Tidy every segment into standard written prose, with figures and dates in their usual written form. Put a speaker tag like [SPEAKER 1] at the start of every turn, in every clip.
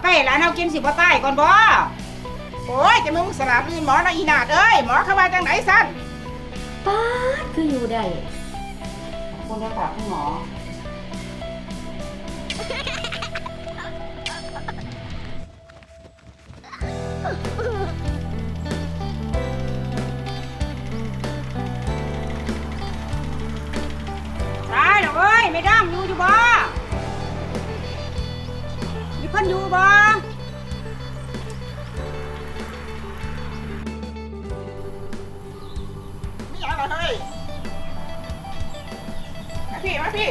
[SPEAKER 1] ไปให้หลานเอากินสิบ่ตายก่อนบ่โอ้ยจะมึงสลับลื่นหมอนะอีนาดเอ้ยหมอเข้ามาจังไหนสั้น
[SPEAKER 2] ป๊าดคืออยู่ได้
[SPEAKER 1] คุณได้ฝากคุณหมอตายแล้วเอ้ยไม่ดังอยู่บ่มีคนอยู่บ่มีอะไรเฮ้ยมาพี่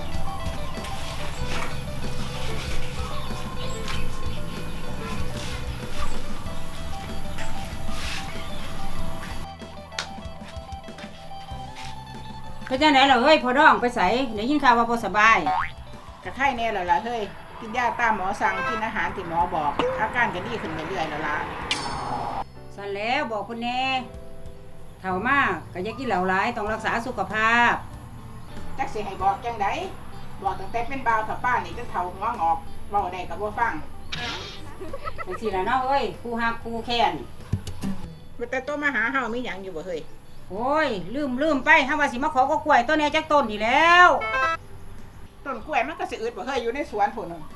[SPEAKER 1] ไปจ้าไหนเหรอเฮ้ยพอดองไปใส่เดี๋ยวยินข่าวว่าพอสบายกระไข้แน่เหรอล่ะเฮ้ยกินยาตามหมอสั่งกินอาหารที่หมอบอกอาการก็ดีขึ้นเรื่อยๆแล้วล่ะสั่นแล้วบอกคุณแน่เฒ่ามากก็อย่ากินเหล้าหลายต้องรักษาสุขภาพจักสิให้บอกจังไดบอกตั้งแต่เป็นบ่าวกับป้านี่จนเฒ่าหัวงอกเว้าได้ก็บ่ฟังจังซี่ล่ะเนาะเอ้ยคู่ฮักคู่แค้นแต่ตัวมาหาเฮามีหยังอยู่บ่เฮ้ยโอ้ยลืมไปเฮาว่าสิมาขอก็กล้วยต้นแหน่จักต้นนี่แล้วต้นกล้วยมันก็สิอึดบ่เฮ้ยอยู่ในสวนพุ่นน่ะ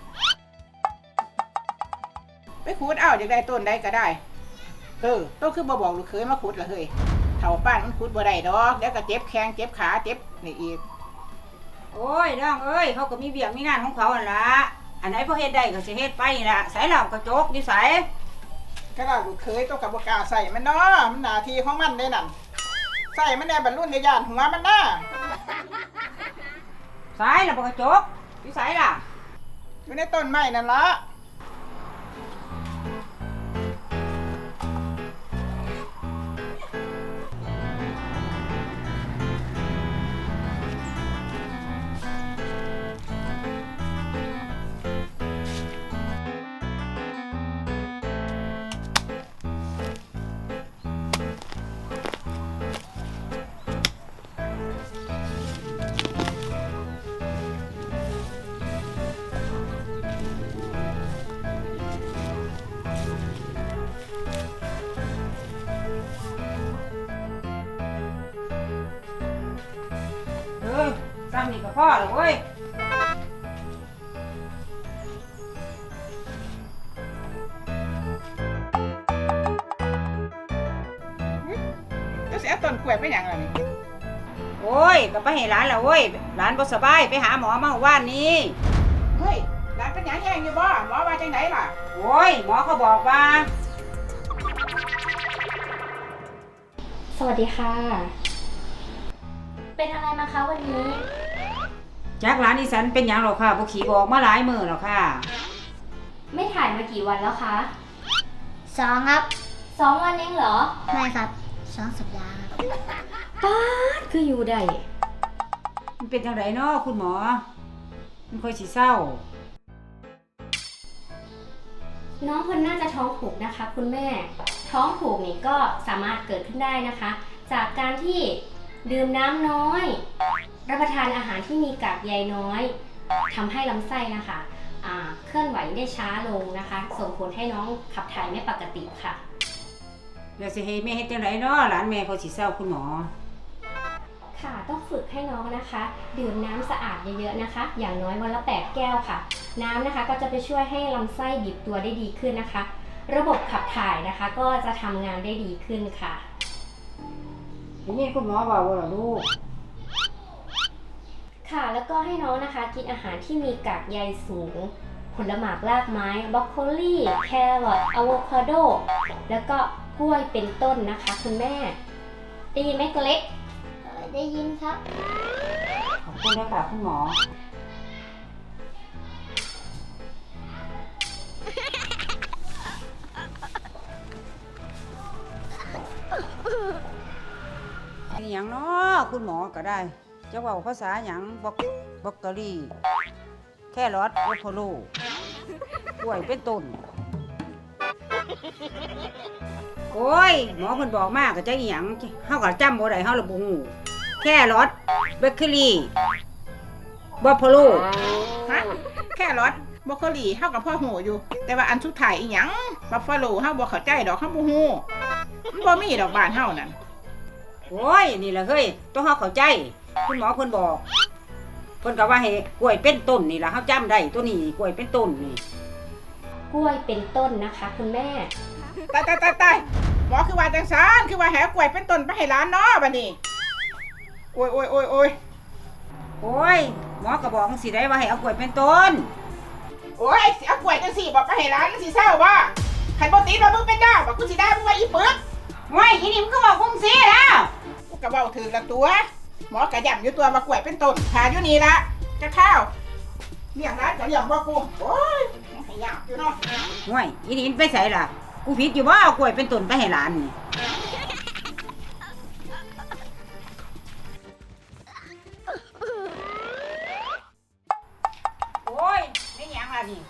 [SPEAKER 1] ไปขุดเอาอยากได้ต้นใดก็ได้ต้นคือบ่บอกลูกเคยมาขุดล่ะเฮ้ยเฒ่าป้านมันขุดบ่ได้ดอกเดี๋ยวก็เจ็บแข้งเจ็บขาเจ็บนี่อีกโอ้ยน้องเอ้ยเขาก็มีเวียกมีงานของเขาหั่นล่ะอันไหนพอเฮ็ดได้ก็สิเฮ็ดไปนี่ล่ะใส่เหล้ากระจกอยู่ไสก็ล่ะลูกเคยต้องกับบ่กล้าใส่มันเนาะมันหน้าที่ของมันเด้นั่นใส่มันแน่บรรลุในย่านหัวมันน่ะใส่ล่ะบ่กระจกอยู่ไสล่ะอยู่ในต้นไม้นั่นล่ะซ้ำนี่ก็พอแล้วเว้ยจะเสียต้นกล้วยไปอย่างไรนี่โอ้ยก็ไปให้ร้านแล้วเว้ยร้านบ่สบายไปหาหมอมาว่านนี้เฮ้ยร้านเป็นหยังแห้งอยู่บ่หมอว่าจังไหนล่ะโอ้ยหมอเขาบอกว่า
[SPEAKER 2] สวัสดีค่ะเป็นอะไรมาคะวันนี้
[SPEAKER 1] จากร้านอีสันเป็นอย่างหรอค่ะบ่ขี่บอกมาหลายมื้อแล้วค่ะ
[SPEAKER 2] ไม่ถ่ายมากี่วันแล้วคะ
[SPEAKER 3] 2 ครับ
[SPEAKER 2] 2 วันเองเหรอ
[SPEAKER 3] ไม่ครับ2 สัปดาห์ครับ
[SPEAKER 2] ป๊าดคืออยู่ได้
[SPEAKER 1] มันเป็นจังไดเนาะคุณหมอมันค่อยสิเศร้า
[SPEAKER 2] น้องคนน่าจะท้องผูกนะคะคุณแม่ท้องผูกนี่ก็สามารถเกิดขึ้นได้นะคะ จากการที่ดื่มน้ำน้อยรับประทานอาหารที่มีกากใยน้อยทำให้ลำไส้นะคะเคลื่อนไหวได้ช้าลงนะคะส่งผลให้น้องขับถ่ายไม่ปกติค่ะ
[SPEAKER 1] แล้วสิให้แม่เฮ็ดจังไดเนาะหลานแม่เขาสิเศร้าคุณหมอ
[SPEAKER 2] ค่ะต้องฝึกให้น้องนะคะดื่มน้ำสะอาดเยอะๆนะคะอย่างน้อยวันละ8 แก้วค่ะน้ำนะคะก็จะไปช่วยให้ลำไส้บีบตัวได้ดีขึ้นนะคะระบบขับถ่ายนะคะก็จะทำงานได้ดีขึ้นค่ะ
[SPEAKER 1] นี่คุณหมอบอกว่าลูก
[SPEAKER 2] ค่ะแล้วก็ให้น้องนะคะกินอาหารที่มีกากใยสูงผลหมากรากไม้บรอกโคลีแครอทอะโวคาโดแล้วก็กล้วยเป็นต้นนะคะคุณแม่ได้ยินไหมตัวเล็ก
[SPEAKER 3] ได้ยินครับ
[SPEAKER 1] ขอบคุณนะคะคุณหมอนี่หยังเนาะคุณหมอก็ได้จะว่าภาษาหยังบล็อกเกอรี่แค่รอทโอโพโลกล้วยเป็นต้นโอ้ยหมอเพิ่นบอกมากก็จะอีหยังเฮาก็จำบ่ได้เฮาละบ่ฮู้แค่รอทเบเกอรี่บัฟฟาโลฮะแค่รอทบรอกโคลีเฮากับพ่อหูอยู่ แต่ว่าอันสุดท้ายอีหยังบัฟฟาโลเฮาบ่เข้าใจดอกเฮาบ่ฮู้มันบ่มีดอกบ้านเฮานั่น
[SPEAKER 4] โอ้ยนี่แหละเฮ้ยต้องเฮาเข้าใจคุณหมอเพิ่นบอกเพิ่นก็ว่าให้กล้วยเป็นต้นนี่ล่ะเฮาจำได้ตัวนี้กล้วยเป็นต้นนี่
[SPEAKER 2] กล้วยเป็นต้นนะคะ คุณแม่
[SPEAKER 1] ตายหมอคือว่าจังซั่นคือว่าแหกล้วยเป็นต้นไปให้หลานเนาะบัดนี้โอ้ย
[SPEAKER 4] โอ้ยหมอก็บอกจังสิได้ว่าให้เอากล้วยเป็นต้น
[SPEAKER 1] โอ้ยสิเอากล้วยจังซี่บอกไปให้หลานมันสิเศร้าบ่คันบ่ติดว่ามึงเป็นดาวบอกกูสิด่ามึงว่าอีปึก
[SPEAKER 4] โอ้ยอีนี่มันก็บอกคงสิแล้ว
[SPEAKER 1] กูก็เว้าถือละตัว หมอกระย่ำอยู่ตัวมากล้วยเป็นต้นหาอยู่นี่ละจะข้าวเลี้ยงร้านก็เลี้ยงบ่กูโอ้ยให้ยากอยู่เนาะ
[SPEAKER 4] โอ้ยอีนี่มันไปไสล่ะกูผิดอยู่บ่เอากล้วยเป็นต้นไปให้หลานนี่โอ้ยไม่หยังล่ะนี่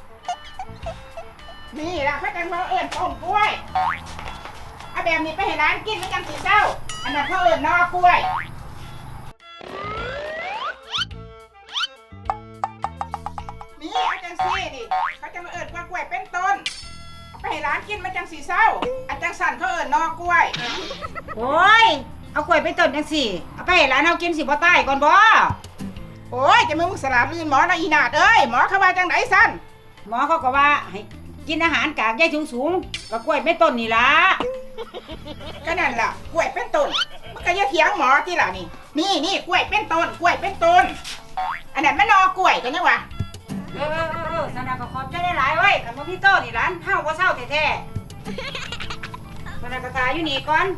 [SPEAKER 1] นี่ล่ะเขาจังมาเอิ้นต้นกล้วยเอาแบบนี้ไปให้ร้านกินแล้วจังสิเศร้าอันนั้นเขาเอิ้นนอกล้วยนี่เอาจังซี่ดิเขาจะมาเอิ้นว่ากล้วยเป็นต้นเอาไปให้ร้านกินมันจังสิเศร้าอันจังสั่นเขาเอิ้นนอกล้วย
[SPEAKER 4] โอ้ยเอากล้วยเป็นต้นจังสิเอาไปให้หลานเฮากินสิบ่ตายก่อนบ่
[SPEAKER 1] โอ้ยจะมึงสลับลื่นหมอนะอีนาดเอ้ยหมอเขาว่าจังไหนสั้น
[SPEAKER 4] หมอเขาก็ว่าให้กินอาหารกากใยสูงๆกับกล้วยเป็นต้นนี่ล่ะ
[SPEAKER 1] ก็นั่นล่ะกล้วยเป็นต้นมันก็อย่าเถียงหมอที่ล่ะนี่กล้วยเป็นต้นกล้วยเป็นต้นอันนั้นมันนอกล้วยกันยังวะ
[SPEAKER 4] สนาก็ขอบใจหลายๆเว้ยคันบ่มีโตนี่หลานเฮาบ่เศร้าแท้ๆสนาก็ตายอยู่นี่ก่อน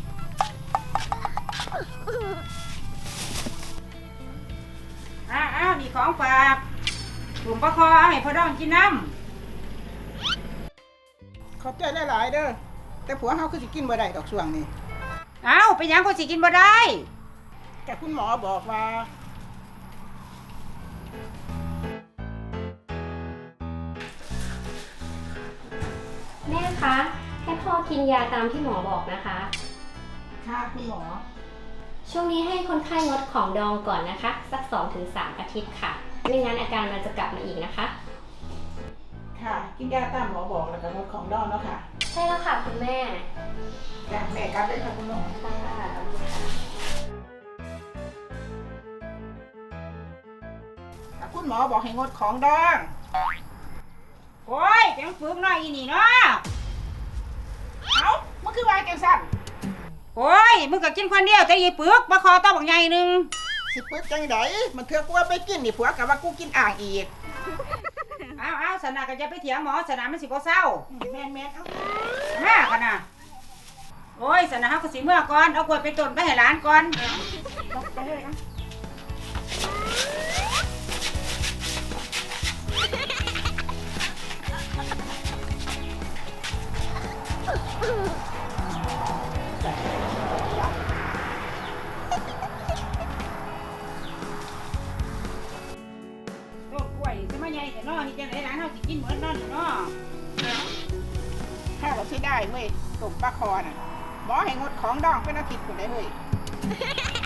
[SPEAKER 4] อ้าวนี่ของฝากถุงปลาคอเอาให้พ่อดองกินน้
[SPEAKER 1] ขอบใจหลายๆเด้อแต่ผัวเฮาคือสิกินบ่ได้ดอกช่วงนี้
[SPEAKER 4] ำอ้าวไปหยังก็สิกินบ่ได้
[SPEAKER 1] แต่คุณหมอบอกว่า
[SPEAKER 2] แม่คะ ให้พ่อกินยาตามที่หมอบอกนะคะ
[SPEAKER 1] ค่ะคุณหมอ
[SPEAKER 2] ช่วงนี้ให้คนไข้งดของดองก่อนนะคะ สัก 2-3 อาทิตย์ค่ะ ไม่งั้นอาการมันจะกลับมาอีกนะคะ
[SPEAKER 1] ค่ะกินยาตามหมอบอกแล้วก็ลดของดองแล้วค่ะ
[SPEAKER 2] ใช่แล้วค่ะคุณแม่
[SPEAKER 1] จ้ะแม่กลับเลยค่ะคุณหมอ
[SPEAKER 2] ค่ะ
[SPEAKER 1] คุณหมอบอกให้งดของดอง
[SPEAKER 4] โอ้ยจังฝึกหน่อยอีนี่เนาะ
[SPEAKER 1] เอ้ามันคือว่าจังซั่น
[SPEAKER 4] โอ้ยมึงก็กินคนเดียวแต่อีปึกปลาคอต้องบักใหญ่หนึง
[SPEAKER 1] สิปึกจังไดมันเถื่อกูว่าไปกินนี่ผัวก็ว่ากูกินอ่างอีก
[SPEAKER 4] อ้าวสนาก็จะไปเถียงหมอสนามันสิบ่เศร้า
[SPEAKER 1] แม่นๆเอ้า
[SPEAKER 4] มากันนะโอ้ยสนะเฮาก็สิเมื่อก่อนเอากล้วยไปต้นไปให้หลานก่อน
[SPEAKER 1] ไปเลยนะ
[SPEAKER 4] ต้นกล้วยสิมาใหญ่แต่น้อนี่จังได๋หลานเฮาสิกินเหมือนนั่นเนาะ
[SPEAKER 1] ถ้าเราใช้ได้เว้ยตุ่มปลาคอน่ะหมอให้งดของดองเป็นอาทิตย์คนได้เว้ย